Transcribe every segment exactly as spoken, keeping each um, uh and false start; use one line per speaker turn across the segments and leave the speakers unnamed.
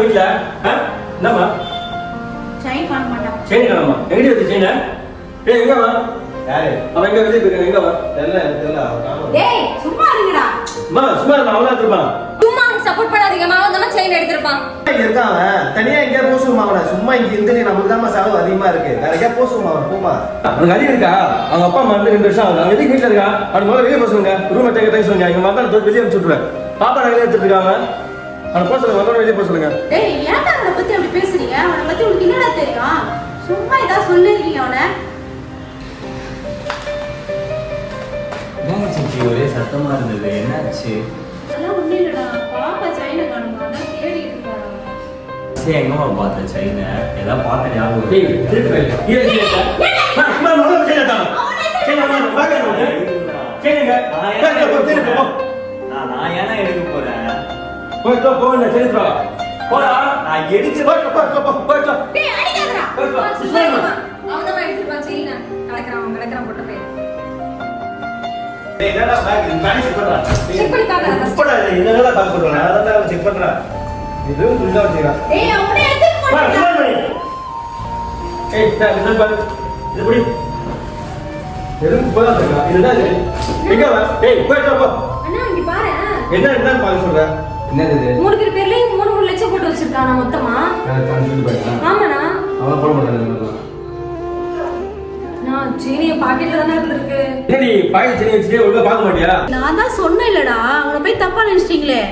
வீட்டுல என்னம்மா
செயின் காண மாட்டான்.
செயின் காணமா? எங்கடி வந்து செயின? ஏய் எங்க வா? யாரு? அவன் எங்க வெளிய போயிருக்கான்? எங்க வா? தெரியல தெரியல.
டேய் சும்மா இருங்கடா.
அம்மா சும்மா நான் அவளா திருப்பான்.
சும்மா சப்போர்ட் பண்ணாதீங்க. மாவன் தான் செயின் எடுத்துப்பான்.
இங்க இருக்கான் அவன். தனியா எங்க போசுமா அவன? சும்மா இங்க இருந்து நமக்கு தான் செலவு அதிகமா இருக்கு. வேற எங்க போசுமா அவன்? போமா.
அவனுக்கு அடி இருக்கா? அவங்க அப்பா அம்மா வந்து ரெண்டு வருஷம் ஆகுது. அவன் எதுக்கு வீட்டுல இருக்கா? அவன் முதல்ல வெளியே போக சொல்லுங்க. ரூம் எடுத்து எடுத்து சொல்லுங்க. எங்க மாத்தா தூக்கி வெளியே அனுப்பிச்சு விட்டுருவேன். பாப்பா நகையில எடுத்துட்டு இருக்காங்க. அவனை போக சொல்லுங்க. முதல்ல வெளியே போக சொல்லுங்க.
டேய் ஏன்டா அவனை பத்தி அப்படி பேசுறீங்க? அவனை பத்தி உங்களுக்கு என்னடா தெரியும்? சும்மா ஏதாவது சொல்லிருக்கீங்க அவனை.
ஒரே சத்தமா இருந்தது, என்னாச்சு?
அதெல்லாம் ஒண்ணும் இல்லடா. பாப்பா செயினை காணுமா? அதான் தேடிட்டு இருக்காங்க.
சரி எங்கம்மா பார்த்த செயினை? ஏதாவது பார்த்த ஞாபகம்
ஏய் திருப்பி வை. ஏய் ஏய் மா சும்மா முதல்ல செயின தான். செயின வா வாங்க வந்து. செயினுங்க. போ போ போ.
நான் நான் ஏன்னா எடுக்க போறேன்?
போய் போ போ என்ன செயின வா. போடா.
நான் எடுத்து
போ போ போ போ போ.
டேய் அடிக்காதடா.
அவன் தான் எடுத்துப்பான் செயினை. கலக்குறான் கலக்குறான் போட்டு போய்.
டேய் என்னடா பேக் பேக் செக் பண்றா.
செக் பண்ணி பாக்கறேன்.
போடா என்னடா பேக் பண்றா. நான் தான் செக் பண்றேன். இது புரிஞ்சா வச்சிரா.
டேய் அவனே எடுத்து
வா
போடா.
சும்மா பண்ணி. ஏய் டா இது பாரு. இது புடி. எதுக்கு போடா இருக்கா? இதுதான் இது. எங்க வா? ஏய் போய் போ.
அண்ணா இங்க பாரு.
என்ன என்ன பாக்க சொல்ற? என்னது இது?
மூணு பேர் பேர்லயும் மூணு மூணு லட்சம் போட்டு வச்சிருக்கானா மொத்தமா?
நான் கன்ஃபியூஸ் பண்ணிட்டேன்.
ஆமாண்ணா.
அவன் போட மாட்டான்.
நான் செயினிய பாக்கெட்ல தானே இருந்திருக்கு.
என்னடி பாக்கெட் செயின் வச்சிட்டே ஒழுங்கா பார்க்க மாட்டியா?
நான் தான் சொன்னேன்லடா. அவனை போய் தப்பா நினைச்சிட்டீங்களே.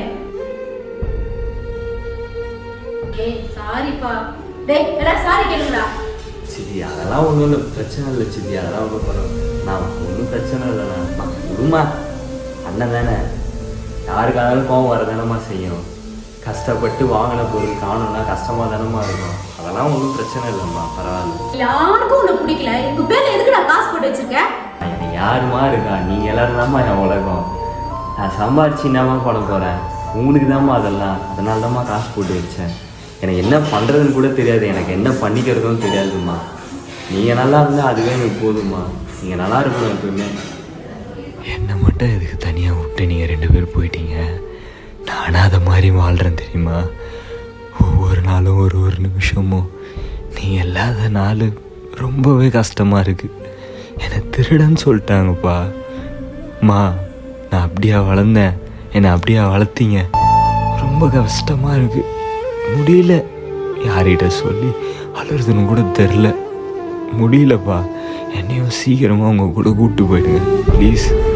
ஏய் சாரிப்பா. டேய் எல்லாம் சாரி கேளுடா.
சரி அதெல்லாம் ஒன்றும் இல்லை, பிரச்சனை இல்லை சித்தி, அதெல்லாம் ஒன்றும் பரவாயில்ல. நான் ஒன்றும் பிரச்சனை இல்லைண்ணா. நான் விடுமா, அண்ணன் தானே, யாருக்கானாலும் கோவம் வரதானம்மா செய்யும். கஷ்டப்பட்டு வாங்கின பொருள் காணும்னா கஷ்டமா தானம்மா இருக்கும். அதெல்லாம் ஒன்றும் பிரச்சனை இல்லைம்மா, பரவாயில்ல.
யாருக்கும் உன்னை பிடிக்கல. உங்க பேர்ல எதுக்குடா காசு போட்டு வச்சிருக்க?
எனக்கு யாருமா இருக்கா? நீங்கள் எல்லாரும் தான்மா என் உலகம். நான் சம்பாரிச்சு என்னமா பண்ண போகிறேன்? உங்களுக்கு தான்மா அதெல்லாம். அதனால தான்மா காசு போட்டு வச்சேன். எனக்கு என்ன பண்ணுறதுன்னு கூட தெரியாது, எனக்கு என்ன பண்ணிக்கிறதும் தெரியாதும்மா. நீங்கள் நல்லா இருந்தால் அதுவே எனக்கு போதும்மா. நீங்கள் நல்லா இருக்கணும் எப்பவுமே.
என்னை மட்டும் இதுக்கு தனியாக விட்டு நீங்கள் ரெண்டு பேர் போயிட்டீங்க. நானும் அதை மாதிரி வாழ்கிறேன் தெரியுமா? ஒவ்வொரு நாளும் ஒரு ஒரு நிமிஷமும் நீங்கள் இல்லாத நாள் ரொம்பவே கஷ்டமாக இருக்குது. என்னை திருடன்னு சொல்லிட்டாங்கப்பா. அம்மா நான் அப்படியா வளர்ந்தேன், என்னை அப்படியா வளர்த்தீங்க. ரொம்ப கஷ்டமாக இருக்குது, முடியல. யார்கிட்ட சொல்லி அழுறதுன்னு கூட தெரில. முடியலப்பா. என்னையும் சீக்கிரமாக உங்கள் கூட கூப்பிட்டு போயிடுங்க ப்ளீஸ்.